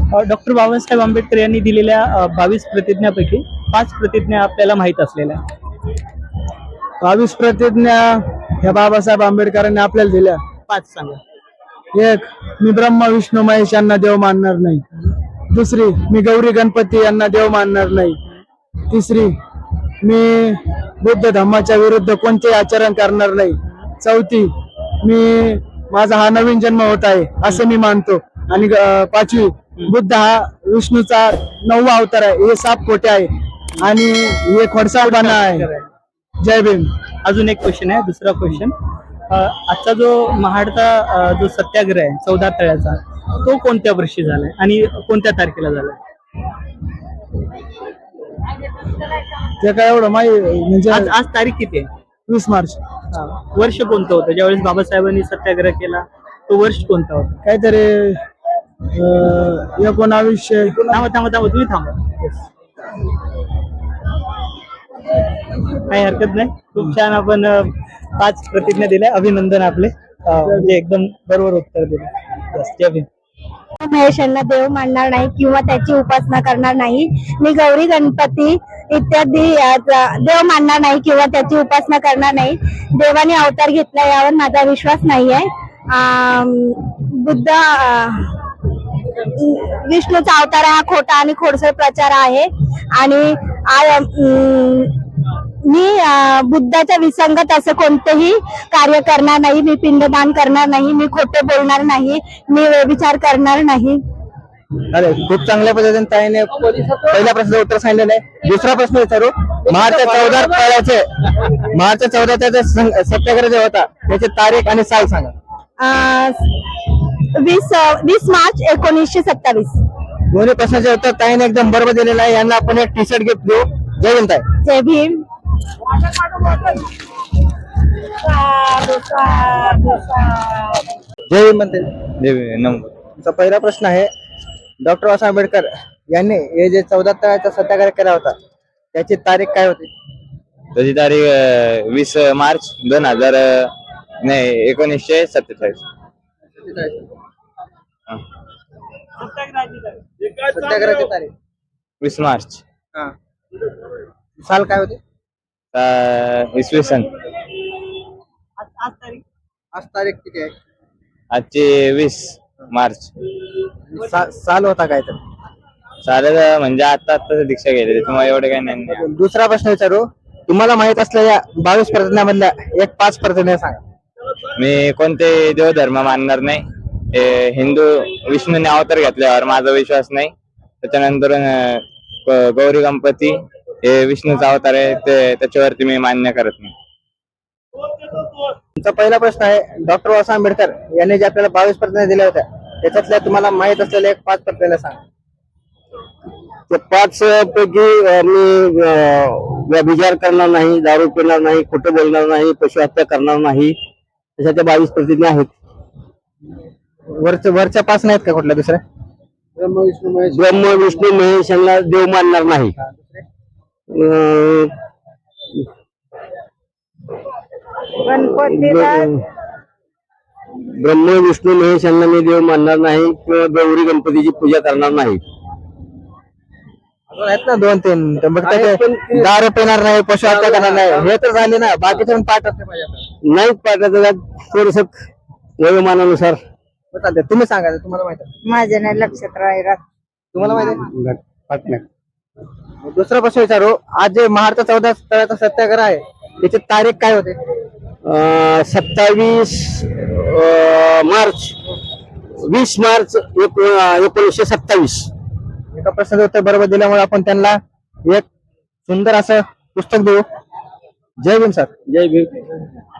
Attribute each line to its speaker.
Speaker 1: Doctor Babasaheb Ambedkar यांनी दिलेल्या 22 प्रतिज्ञापैकी 5 प्रतिज्ञा आपल्याला माहीत असलेल्या.
Speaker 2: 22 प्रतिज्ञा ह्या बाबासाहेब आंबेडकरांनी आपल्याला दिल्या.
Speaker 1: 5 सांगा.
Speaker 2: 1. मी ब्रह्मा विष्णू महेश यांना देव मानणार नाही. 2. मी गौरी गणपती यांना देव मानणार नाही. 3. मी बुद्ध धम्माच्या विरुद्ध कोणतेही आचरण करणार नाही. 4. मी माझा हा नवीन जन्म होत आहे असे मी मानतो. आणि 5. बुद्ध हा विष्णूचा 9वा अवतार आहे. हे साप खोटे आहे आणि हे खोडसाळपणा आहे. जय भीम.
Speaker 1: अजून एक क्वेश्चन आहे, दुसरा क्वेश्चन. आजचा जो महाडचा जो सत्याग्रह आहे 14 तळ्याचा, तो कोणत्या वर्षी झालाय आणि कोणत्या तारखेला झालाय?
Speaker 2: ते काय एवढं माहिती म्हणजे
Speaker 1: आज आज तारीख किती आहे?
Speaker 2: 20 मार्च.
Speaker 1: वर्ष कोणतं होतं ज्यावेळेस बाबासाहेबांनी सत्याग्रह केला? तो वर्ष कोणता होता?
Speaker 2: काहीतरी 1900.
Speaker 1: थांबा तुम्ही थांबा. काही हरकत नाही. खूप छान आपण 5 प्रतिज्ञा दिल्या. अभिनंदन आपले. म्हणजे एकदम बरोबर उत्तर दिलं. जय भीम.
Speaker 3: महेश यांना देव मानणार नाही किंवा त्याची उपासना करणार नाही. मी गौरी गणपती इत्यादी देव मानणार नाही किंवा त्याची उपासना करणार नाही. देवाने अवतार घेतला यावर माझा विश्वास नाही आहे. बुद्ध विष्णूचा अवतार हा खोटा आणि खोडसळ प्रचार आहे. आणि मी बुद्धाच्या विसंगत असं कोणतेही कार्य करणार नाही. मी पिंडदान करणार नाही. मी खोटे बोलणार नाही. मी व्यभिचार करणार नाही.
Speaker 2: अरे खूप चांगल्या पद्धतीने ताईने पहिल्या प्रश्नाचं उत्तर सांगितलेलं आहे. दुसरा प्रश्न विचारू. मार्च 14 सत्याग्रह जे होता त्याची तारीख आणि साल सांगा.
Speaker 3: 20 मार्च 1927.
Speaker 2: दोन्ही प्रश्नाचे उत्तर ताईने एकदम बरोबर दिलेलं आहे. यांना आपण एक टी-शर्ट गिफ्ट देऊ. जय भीम ताई.
Speaker 3: जय भीम.
Speaker 2: जय भीम म्हणते.
Speaker 4: जय भीम. नमस्कार.
Speaker 2: तुमचा पहिला प्रश्न आहे. डॉक्टर बाबासाहेब आंबेडकर यांनी हे जे 14 तळ्याचा सत्याग्रह केला होता त्याची तारीख काय होती?
Speaker 4: त्याची तारीख 20 मार्च 1947.
Speaker 2: सत्याग्रहाची तारीख
Speaker 4: 20 मार्च.
Speaker 2: साल काय होते?
Speaker 4: इसवी सन.
Speaker 2: आज तारीख किती आहे?
Speaker 4: आजची 20 मार्च.
Speaker 2: साल होता काय तर?
Speaker 4: चालेल म्हणजे आता दीक्षा गेली त्याच्यामुळे एवढे काही नाही.
Speaker 2: दुसरा प्रश्न विचारू. तुम्हाला माहित असलेल्या 22 प्रतिज्ञामधल्या एक 5 प्रतिज्ञा सांगा.
Speaker 4: मी कोणते देवधर्म मानणार नाही. हिंदू विष्णूने अवतार घेतल्यावर माझा विश्वास नाही. त्याच्यानंतर गौरी गणपती हे विष्णूचा अवतार आहे त्याच्यावरती मी मान्य करत नाही.
Speaker 2: तुमचा पहिला प्रश्न आहे. डॉक्टर बाबासाहेब आंबेडकर यांनी जे आपल्याला 22 प्रतिज्ञा दिल्या होत्या त्याच्यातल्या तुम्हाला माहित असलेल्या एक 5 प्रतिज्ञा सांगा.
Speaker 5: ते 5 पैकी मी व्यभिचार करणार नाही, दारू पिणार नाही, खोटं बोलणार नाही, पशु हत्या करणार नाही, अशा त्या 22 प्रतिज्ञा आहेत.
Speaker 2: वरच्या 5 नाहीत का कुठल्या दुसऱ्या?
Speaker 5: ब्रह्म विष्णू महेश यांना देव मानणार नाही. ब्रह्म विष्णू महेश यांना मी देव मानणार नाही किंवा गौरी गणपतीची पूजा करणार नाही.
Speaker 2: आहेत ना 2-3. दारू पिणार नाही, पशु हत्या करणार नाही, हे तर झाले ना. बाकीचे पण पाठ असले पाहिजे.
Speaker 5: नाहीच पाठाचं थोडस वयोमानानुसार.
Speaker 2: चालते. तुम्ही सांगा. तुम्हाला माहित आहे?
Speaker 3: माझ्या नाही लक्षात राहिला.
Speaker 2: तुम्हाला माहित आहे? दुसरा प्रश्न विचारू. आज जे महाडचा 14 तळ्याचा सत्याग्रह आहे त्याची तारीख काय होते?
Speaker 5: 27 मार्च 20 मार्च 1927.
Speaker 2: एका प्रश्नाचं उत्तर बरोबर दिल्यामुळे आपण त्यांना एक सुंदर असं पुस्तक देऊ. जय भीम सर.
Speaker 5: जय भीम.